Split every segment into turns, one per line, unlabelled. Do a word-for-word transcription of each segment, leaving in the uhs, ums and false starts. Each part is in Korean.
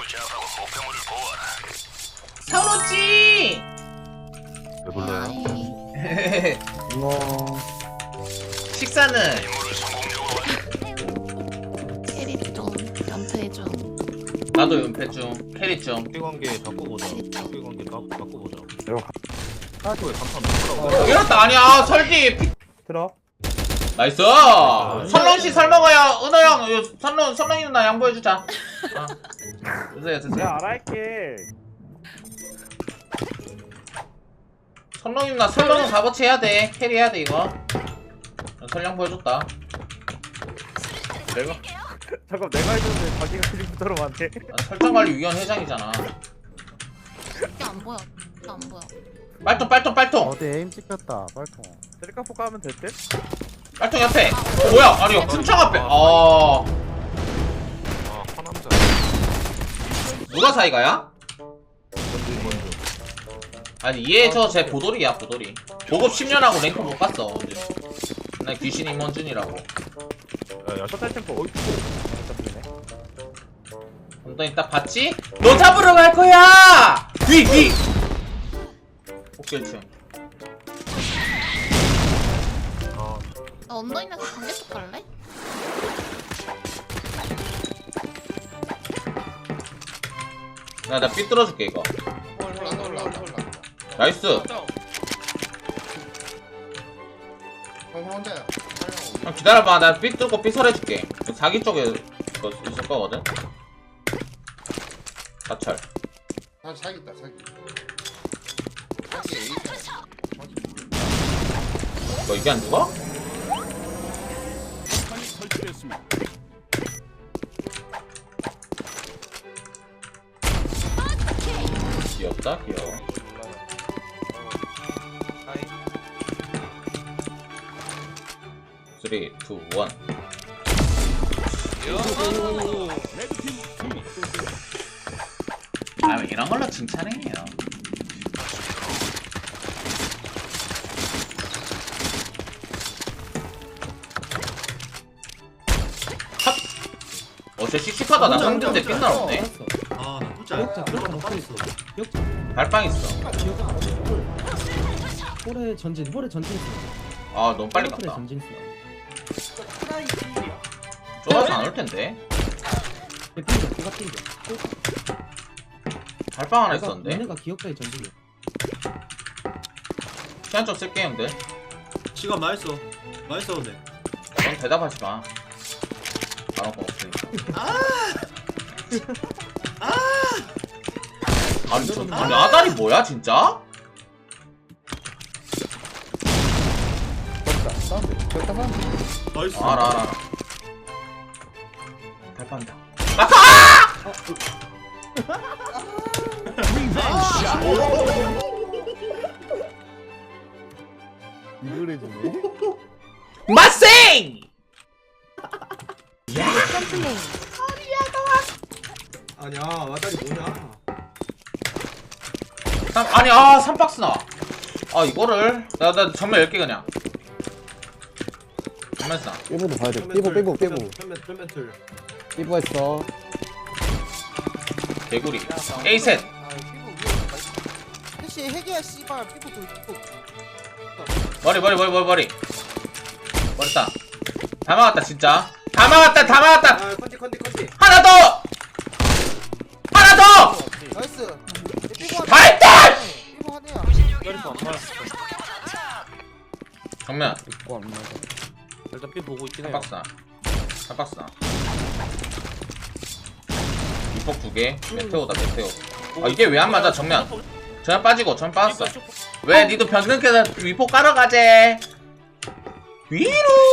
서로지.
왜 불러요?
뭐
식사는
캐리 좀 연패 좀.
나도 연패 중, 캐리 중.
학교 관계 바꿔보자. 학교 관계 바, 바꿔보자.
들어
학교에 강타 넣더라고.
이렇다 아니야 설디. 피-
들어
나이스. 선롱 씨 설 먹어요. 은호 형, 요 선롱 선롱이 누나 양보해 주자. 어. 드세요 드세요.
내가 알아할게.
선롱이 누나 설렁은 값어치 해야 돼. 캐리 해야 돼 이거. 설령 보여줬다.
내가 잠깐 내가 해줬는데 자기가 그림부터로 안돼.
난 설정관리위원 회장이잖아.
이게 안 보여. 이게 안 보여.
빨통 빨통 빨통.
어디 에임 찍혔다 빨통.
셀카포 까면 될 듯?
빨통 옆에. 어, 뭐야? 아니 이거 큰창 앞에. 어.
아, 화남자.
누가 사이가야?
먼저, 먼저.
아니 얘 저 제 보돌이야 보돌이. 보급 십 년 하고 랭크 못 갔어. 언제. 나 귀신 임원준이라고.
야, 야,
첫달 템포 어이쿠. 잡히네.
엉덩이 딱 봤지? 너 잡으러 갈 거야! 뒤! 뒤! 옥실층.
아,
나 언더인에서 관계쪽 갈래?
나, 나 삐뚤어줄게 이거. 나이스. 형 기다려봐. 나 삐뚤고 삐설해줄게. 자기 쪽에 그거 있을 거거든? 사철.
아 사기 있다 사기. 사기 에이스야.
너 이게 안 죽어? 귀엽다 귀여워. 쓰리, 투, 원. 아, 이런 걸로 칭찬해요. 핫! 어, 쟤 씩씩하다. 나 상대인데 빛나 없네.
아, 나 혼자 기억자 기억자 못 있어. 기억자
발빵 있어.
기억자 안 돼. 홀에 전진, 홀에 전진 있어.
아, 너무 빨리
홀에
갔다.
전진 있어.
좁아서 안 올 텐데.
핑계, 누가 핑계.
발빵 하나 있었는데.
얘네가 기억자의 전진이야.
시간 좀 쓸게, 형들.
시간 많이 써. 많이 써도 돼.
넌 대답하지 마. 바로 거 없으니까. 아니, 저, 아니, 아다리 뭐야, 진짜?
졌다. 사운드. 졌다 사운드.
나이스.
아, 알아, 알아, 알아. 발빵이다.
이걸 해주네.
마생!
아니야, 와다리 뭐냐?
삼, 아니, 아, 삼 박스 나와. 아, 이거를. 나, 나 정면 열 개 그냥. 정면 쓰나.
삐부도 봐야 돼. 삐부 삐부 삐부
펜멘, 펜멘틀.
삐부 했어.
개구리. A 셋.
혹시 핵이야 씨발 피부도 있고.
머리, 머리, 머리, 머리, 머리. 머리 따. 다 막았다, 진짜. 다 막았다, 다 막았다.
아, 컨디, 컨디, 컨디.
하나 더! 하나 더!
나이스. 피부
발달!
피부 하네야.
기다리서 안 맞았어.
정면.
입고 안 맞아.
일단 삐 보고 있긴
한
해요.
박스 나. 한 박스 나. 이폭 두 개. 메테오다, 메테오. 아, 이게 왜 안 맞아, 정면. 전면 빠지고, 전면 빠졌어. 왜, 니도 변경해서 위폭 깔아가재. 위로!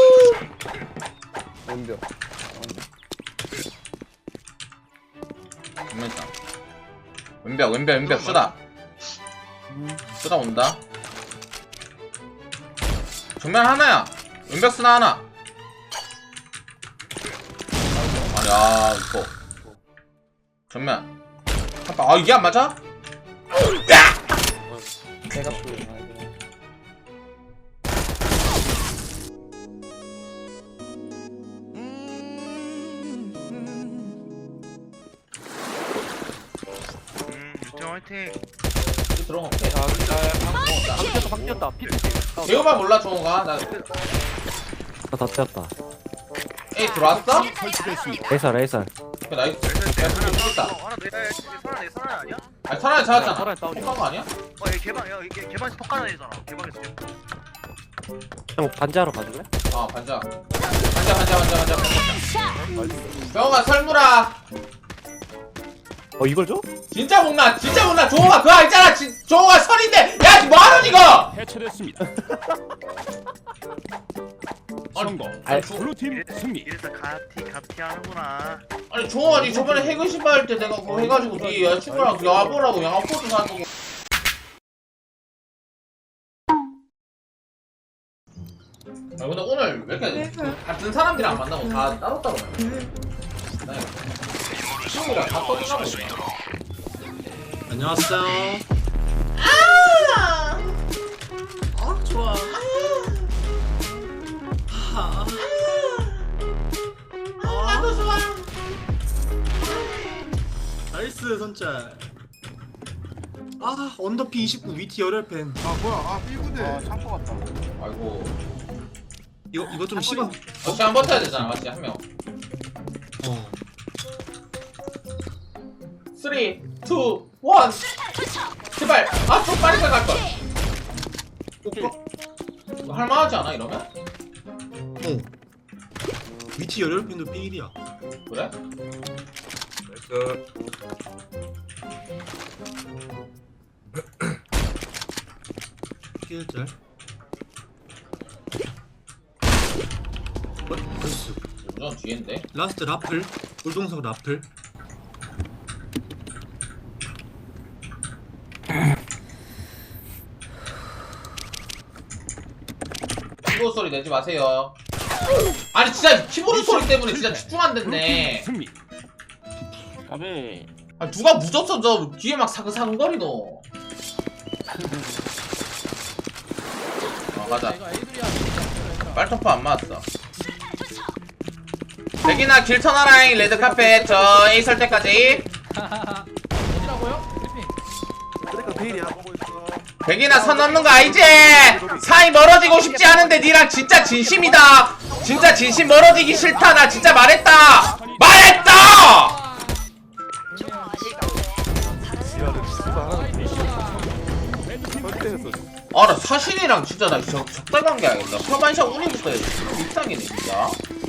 왼벽.
정면 있다. 왼벽, 왼벽, 왼벽, 쏘다. 쏘다 온다. 정면 하나야. 왼벽 쓰나 하나. 아니, 아, 이거. 정면. 아, 아, 이게 안 맞아?
내가 또.
화이팅.
들어가 볼게.
야, 방 뛰었다, 방 뛰었다. 피.
재호만 몰라 종호가. 나
다 튀었다.
A 들어왔어?
레이서 레이서.
오케이, 나이스. 야 근데 죽었다.
하나 내 설아 내 설아 아니야?
아니 설아에 잡았잖아.
설아에 다운이야.
폭한 거 아니야?
어 얘 개방 야 이게 개방에서 폭 깔아내잖아. 개방에서.
형 반지하러 가줄래?
어 반자. 반자 반자 반자 반자. 병호가 설무라.
어 이걸 줘?
진짜 못나 진짜 못나 종호가 그거 있잖아. 지, 종호가 설인데 야 뭐하는 이거?
해체됐습니다.
성공.
아이,
블루팀 승리.
이래서 가티 가티 하는구나.
아니 종호가 니 저번에 해그 신발 할 때 내가 그거 해가지고 니 여자친구랑 야보라고 양아포도 사주고. 아 근데 오늘 왜 이렇게 같은 사람들이랑 만나고 다 따로따로 만나? 친구랑 다 떠들어가고 있네.
안녕하세요.
아!
아 좋아. 아,
나도 좋아.
나이스 선짤. 아 언더피 이십구 위티 열혈 펜.
아 뭐야 아 삐부대
아 창고 같다.
아이고.
이거 이거 좀 심한.
역시 한 버텨야 되잖아, 맞지 한 명.
어.
삼, 이, 일. 제발. 아, 좀 빨리 갈 걸.
오빠.
이거 할만하지 않아 이러면?
어. 위티 열혈 펜도 삐일이야.
그래?
나이스.
삐일짤. 어, 나이스.
우선 뒤인데.
라스트 라플. 울동석 라플.
키보드 소리 내지 마세요. 아니 진짜 키보드 소리 때문에 진짜 집중 안
블루팀
됐네.
승리.
가베.
아 누가 무졌어 저 뒤에 막 사근사근거리노. 아 가자. 빨토프 안 맞았어. 백이나 길 터나라잉 레드카펫 저 A 설 때까지. 백이나 선 넘는 거 알지? 사이 멀어지고 싶지 않은데 니랑 진짜 진심이다. 진짜 진심 멀어지기 싫다. 나 진짜 말했다. 말했다. 아 나 사신이랑 진짜 나 적, 적당한 게 아니다. 서반샷 운이부터 이상이네 진짜.